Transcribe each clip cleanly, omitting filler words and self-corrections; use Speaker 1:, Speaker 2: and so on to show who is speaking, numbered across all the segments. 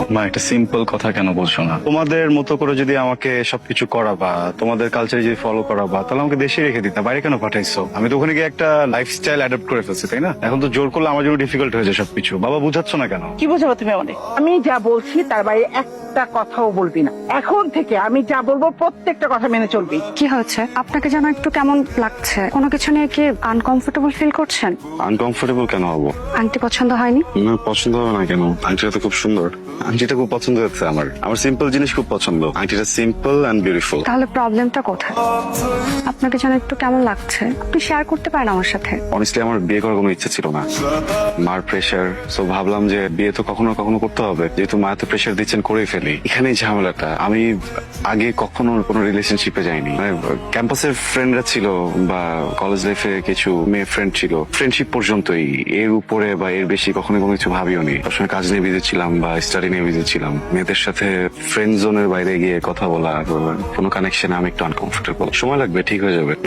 Speaker 1: মা একটা সিম্পল কথা কেন বলছো না? তোমাদের মতো করে যদি আমাকে সবকিছু করাবা, তোমাদের কালচার যদি ফলো করাবা, তাহলে আমাকে দেশে রেখে দিতা, বাইরে কেন পাঠাইছো? আমি তো ওখানে গিয়ে একটা লাইফস্টাইল অ্যাডাপ্ট করে ফেলছি, তাই না? এখন তো জোর করলে আমার জন্য ডিফিকাল্ট হয়েছে সবকিছু। বাবা বুঝাচ্ছ না কেন?
Speaker 2: কি বোঝাবো তুমি আমাদের? আমি যা বলছি তার বাইরে একটা কথাও বলবি না। এখন থেকে আমি যা বলবো প্রত্যেকটা কথা মেনে চলবি।
Speaker 3: কি হয়েছে? আপনাকে যেন একটু কেমন লাগছে। কোনো কিছু নিয়ে কি আনকমফোর্টেবল ফিল করছেন?
Speaker 1: আনকমফোর্টেবল কেন হবো?
Speaker 3: আংটি পছন্দ হয়নি?
Speaker 1: না, পছন্দ হবে না কেন? আংটিটা তো খুব সুন্দর। আংটিটা খুব পছন্দ হচ্ছে আমার। আমার সিম্পল জিনিস খুব পছন্দ। আংটিটা সিম্পল এন্ড বিউটিফুল।
Speaker 3: তাহলে প্রবলেমটা কোথায়? আপনাকে যেন একটু কেমন লাগছে, আপনি শেয়ার করতে পারেন আমার সাথে।
Speaker 1: অনেস্টলি আমার বিয়ে করার কোনো ইচ্ছে ছিল না। মার প্রেশার, সো ভাবলাম যে বিয়ে তো কখনো কখনো করতে হবে, যেহেতু মা তো প্রেশার দিচ্ছেন করেই ফেলি। এখানেই ঝামেলাটা। আমি আগে কখনো কোনো রিলেশনশিপে যাইনি। মানে ক্যাম্পাসের ফ্রেন্ডরা ছিল বা কলেজ লাইফে কিছু মেয়ে ফ্রেন্ড ছিল, ফ্রেন্ডশিপ পর্যন্তই। এর উপরে বা এর বেশি কখনো কোনো কিছু ভাবিও নি। সবসময় কাজ নিয়ে বিজি ছিলাম বা স্টাডি নিয়ে বিজি ছিলাম। মেয়েদের সাথে ফ্রেন্ড জোনের বাইরে গিয়ে কথা বলা, কোনো কানেকশনে আমি একটু আনকমফোর্টেবল। সময় লাগবে, ঠিক হয়ে যাবে।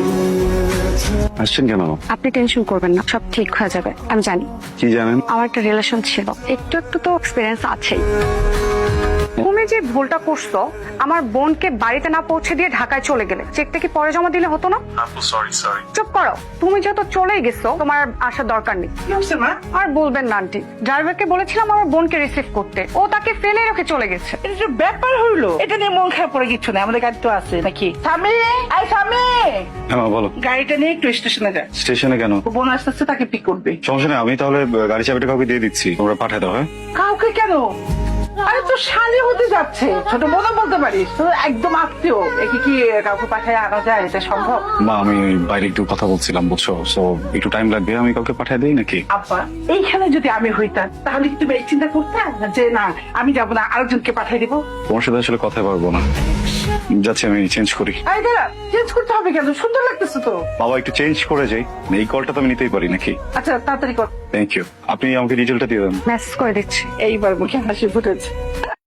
Speaker 1: আসছেন কেন?
Speaker 3: আপনি টেনশন করবেন না, সব ঠিক হয়ে যাবে। আমি জানি
Speaker 1: কি জানেন?
Speaker 3: আমার একটা রিলেশন ছিল, একটু একটু তো এক্সপিরিয়েন্স আছেই। তুমি যে ভুলটা করছো, আমার বোনকে বাড়িতে না পৌঁছে দিয়ে ঢাকায় চলে গেলে, চেকটা কি পরে জমা দিলে হতো না?
Speaker 1: সরি।
Speaker 3: চুপ করো, তুমি যত চলেই গেছো, তোমার আর আসার দরকার নেই।
Speaker 2: কি হচ্ছে মা?
Speaker 3: আর বলবেন না আন্টি, ড্রাইভারকে বলেছিলাম আমার বোনকে রিসিভ করতে, ও তাকে ফেলে রেখে চলে গেছে।
Speaker 2: এটা যে ব্যাপার হইলো, এটা নিয়ে মন খারাপ করে কিছু নেই। আমাদের গাড়ি তো আছে নাকি? স্বামী, আই স্বামী,
Speaker 1: হ্যাঁ বলো।
Speaker 2: গাড়িটা নিয়ে একটু স্টেশনে যা।
Speaker 1: স্টেশনে কেন?
Speaker 2: ও বোন আসতেছে, তাকে পিক করবে।
Speaker 1: সমস্যা নেই, আমি তাহলে গাড়ি চাবিটা কাউকে দিয়ে দিচ্ছি, তোমরা পাঠায় দাও। হ্যাঁ,
Speaker 2: কাউকে কেন? আরে তো শালি হতে যাচ্ছে, ছোট বোনও বলতে পারিস। তো একদম আত্মীয়, একে কি কাউকে পাঠায় আনা যায়? এটা সম্ভব?
Speaker 1: মা আমি বাইরে একটু কথা বলছিলাম, বুঝছো, সো একটু টাইম লাগবে। আমি কাউকে পাঠায় দিই নাকি?
Speaker 2: আব্বা, এইখানে যদি আমি হইতাম তাহলে কি তুমি এই চিন্তা করতে যে না আমি যাবো না, আরেকজনকে পাঠিয়ে দিবো?
Speaker 1: তোমার সাথে আসলে কথা পারবো না, যাচ্ছি আমি চেঞ্জ করি।
Speaker 2: আরে দাঁড়া, চেঞ্জ করতে হবে কেন? সুন্দর লাগতেছে তো।
Speaker 1: বাবা একটু চেঞ্জ করে যাই, এই কলটা তো আমি নিতেই পারি নাকি?
Speaker 2: আচ্ছা তাড়াতাড়ি কর।
Speaker 1: Thank you. আপনি আমাকে ডিটেলটা দিয়ে দেন।
Speaker 3: মেসেজ করে দিচ্ছি।
Speaker 2: এইবার মুখে হাসি ফুটেছে।